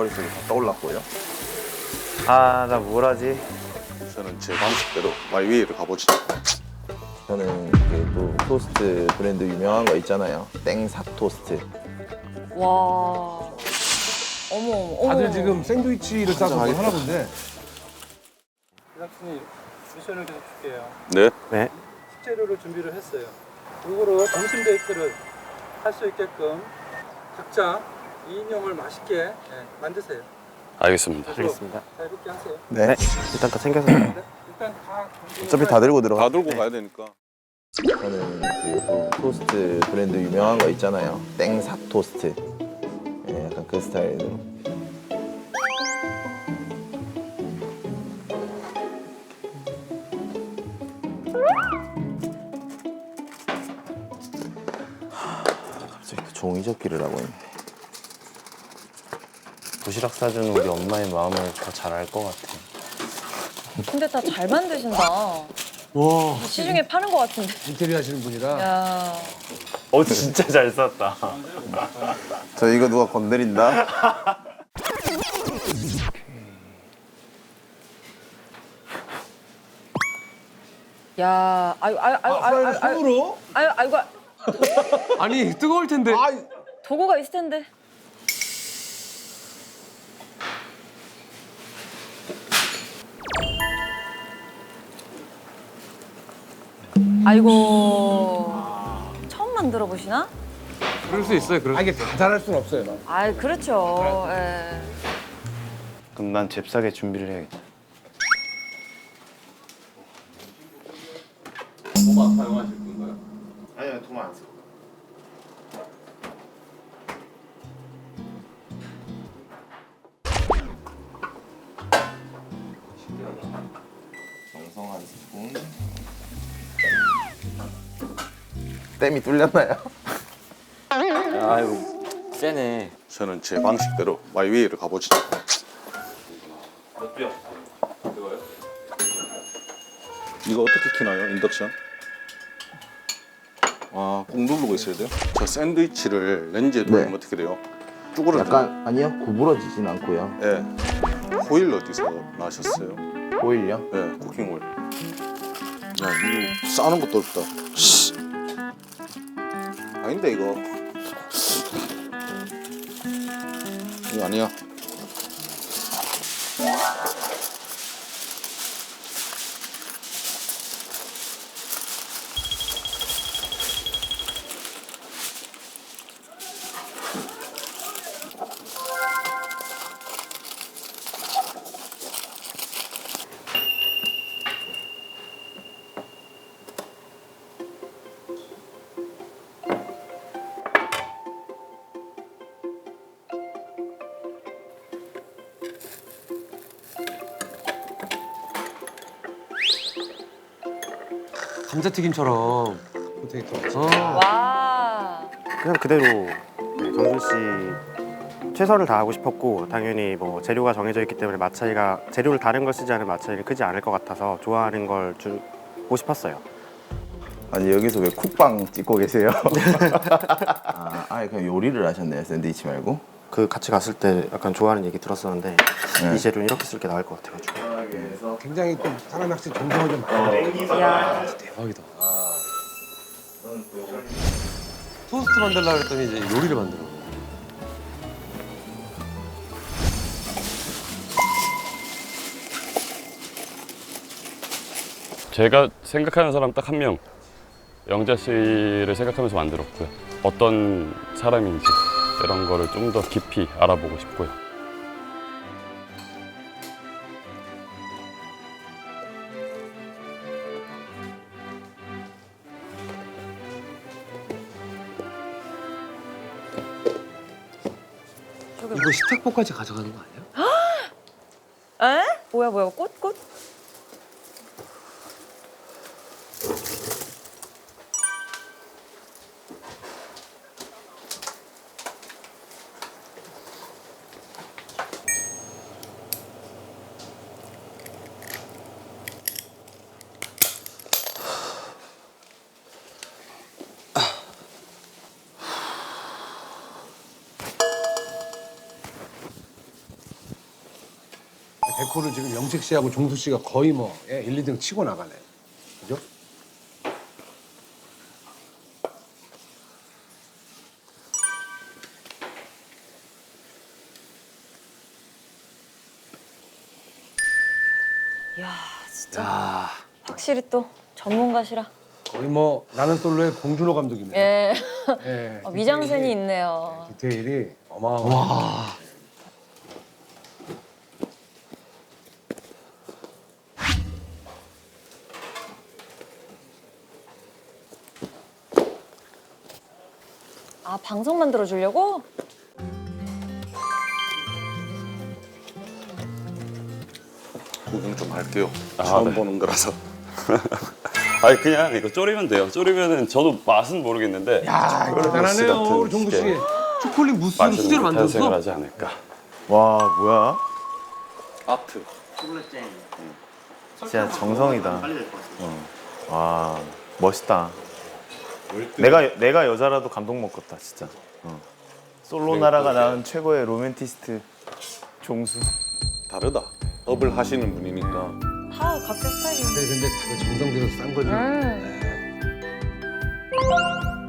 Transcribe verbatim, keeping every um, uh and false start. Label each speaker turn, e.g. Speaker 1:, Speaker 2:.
Speaker 1: 머릿속에 다 떠올랐고요.
Speaker 2: 아, 나 뭘 하지?
Speaker 3: 저는 제 방식대로 마이웨이를 가보시죠.
Speaker 1: 저는 그 또 토스트 브랜드 유명한 거 있잖아요. 땡사 토스트.
Speaker 4: 와. 어머, 어머, 어머.
Speaker 5: 다들 지금 샌드위치를 싸서 뭘 하나 본데.
Speaker 6: 제작진이 미션을 계속 줄게요.
Speaker 3: 네.
Speaker 2: 네.
Speaker 6: 식재료를 준비를 했어요. 이거로 점심 데이트를 할 수 있게끔 각자 이 인형을 맛있게 예, 만드세요.
Speaker 3: 알겠습니다.
Speaker 2: 알겠습니다.
Speaker 6: 자유롭게 하세요.
Speaker 1: 네.
Speaker 2: 네. 일단 다 챙겨서.
Speaker 6: 네, 일단 다
Speaker 1: 어차피 다 들고 들어가.
Speaker 3: 다 들고 가야 되니까.
Speaker 1: 저는 그 또 토스트 브랜드 유명한 거 있잖아요. 땡사 토스트. 예, 약간 그 스타일로. 갑자기 또 종이접기를 하고 있네.
Speaker 2: 도시락 싸주는 우리 엄마의 마음을 더 잘 알 것 같아.
Speaker 4: 근데 다 잘 만드신다.
Speaker 5: 와,
Speaker 4: 시중에 파는 것 같은데.
Speaker 5: 인테리어 하시는 분이라.
Speaker 4: 야.
Speaker 2: 어, 진짜 잘 쌌다.
Speaker 1: 저 이거 누가 건드린다?
Speaker 4: 야, 아유, 아유, 아유, 아유, 아유, 아유,
Speaker 5: 손으로?
Speaker 4: 아유, 아이고,
Speaker 5: 아니, 뜨거울 텐데. 아,
Speaker 4: 도구가 있을 텐데. 아이고, 처음 만들어 보시나?
Speaker 5: 그럴 수 있어요. 그럴 수. 아, 이게 다 잘할 수는 없어요.
Speaker 4: 아, 그렇죠. 예.
Speaker 2: 그럼 난 잽싸게 준비를 해야겠다.
Speaker 3: 도마 사용하실 건가요?
Speaker 2: 아니요, 도마 안 써.
Speaker 1: 정성 한 스푼. 땜이 뚫렸나요?
Speaker 2: 아이고, 세네.
Speaker 3: 저는 제 방식대로 마이웨이를 가보시죠. 이거 어떻게 키나요? 인덕션? 아, 꾹 누르고 있어야 돼요? 저 샌드위치를 렌즈에 돌리면
Speaker 1: 네.
Speaker 3: 어떻게 돼요? 쭈그러져.
Speaker 1: 약간 아니요 구부러지진 않고요.
Speaker 3: 예. 호일 어디서 나셨어요?
Speaker 1: 오일요?
Speaker 3: 예, 쿠킹 오일. 야, 이거 싸는 것도 어렵다. 씨. 아닌데 이거. 이거 아니야.
Speaker 5: 감자튀김처럼. 포테이토. 어.
Speaker 4: 와.
Speaker 2: 그냥 그대로 네, 정준 씨 최선을 다하고 싶었고, 당연히 뭐 재료가 정해져 있기 때문에 맛 차이가, 재료를 다른 걸 쓰지 않은 맛 차이는 크지 않을 것 같아서 좋아하는 걸 주고 싶었어요.
Speaker 1: 아니 여기서 왜 쿡방 찍고 계세요? 아, 아예 그냥 요리를 하셨네요. 샌드위치 말고.
Speaker 2: 그 같이 갔을 때 약간 좋아하는 얘기 들었었는데
Speaker 1: 네.
Speaker 2: 이 재료는 이렇게 쓸 게 나을 것 같아가지고.
Speaker 5: 굉장히 또 사람이 확실히 정성을 좀 많이.
Speaker 4: 야.
Speaker 5: 대박이다. 토스트 만들려고 했더니 이제 요리를 만들어.
Speaker 7: 제가 생각하는 사람 딱 한 명, 영자 씨를 생각하면서 만들었고요. 어떤 사람인지 이런 거를 좀 더 깊이 알아보고 싶고요.
Speaker 5: 이거 식탁보까지 가져가는 거 아니야?
Speaker 4: 에? 뭐야, 뭐야, 꽃, 꽃?
Speaker 5: 데코를 지금 영식 씨하고 종수 씨가 거의 뭐 예, 일, 이 등 치고 나가네. 그죠?
Speaker 4: 이야, 진짜. 확실히 또 전문가시라.
Speaker 5: 거의 뭐 나는 솔로의 봉준호 감독이네.
Speaker 4: 예.
Speaker 5: 예.
Speaker 4: 어, 미장센이 있네요.
Speaker 5: 디테일이 어마어마.
Speaker 4: 아, 방송 만들어 주려고?
Speaker 3: 구경 좀 할게요.
Speaker 7: 아,
Speaker 3: 처음
Speaker 7: 네.
Speaker 3: 보는 거라서.
Speaker 7: 아니 그냥 이거 졸이면 돼요. 졸이면은 저도 맛은 모르겠는데
Speaker 5: 야,
Speaker 7: 초콜릿 무스
Speaker 5: 대단하네요.
Speaker 7: 같은
Speaker 5: 우리 종수 씨.
Speaker 7: 게
Speaker 5: 초콜릿 무스를
Speaker 7: 맛있는
Speaker 5: 수제로
Speaker 7: 탄생을
Speaker 5: 만들었어?
Speaker 7: 하지 않을까.
Speaker 1: 와 뭐야?
Speaker 3: 아트.
Speaker 1: 진짜 정성이다. 어. 와 멋있다. 내가 내가 여자라도 감동 먹겠다 진짜. 어. 솔로 나라가 낳은 최고의 로맨티스트 종수.
Speaker 3: 다르다. 업을 하시는 분이니까.
Speaker 4: 다 각자 스타일이.
Speaker 5: 근데 근데 다들 정성 들여서 싼 거지.
Speaker 4: 음.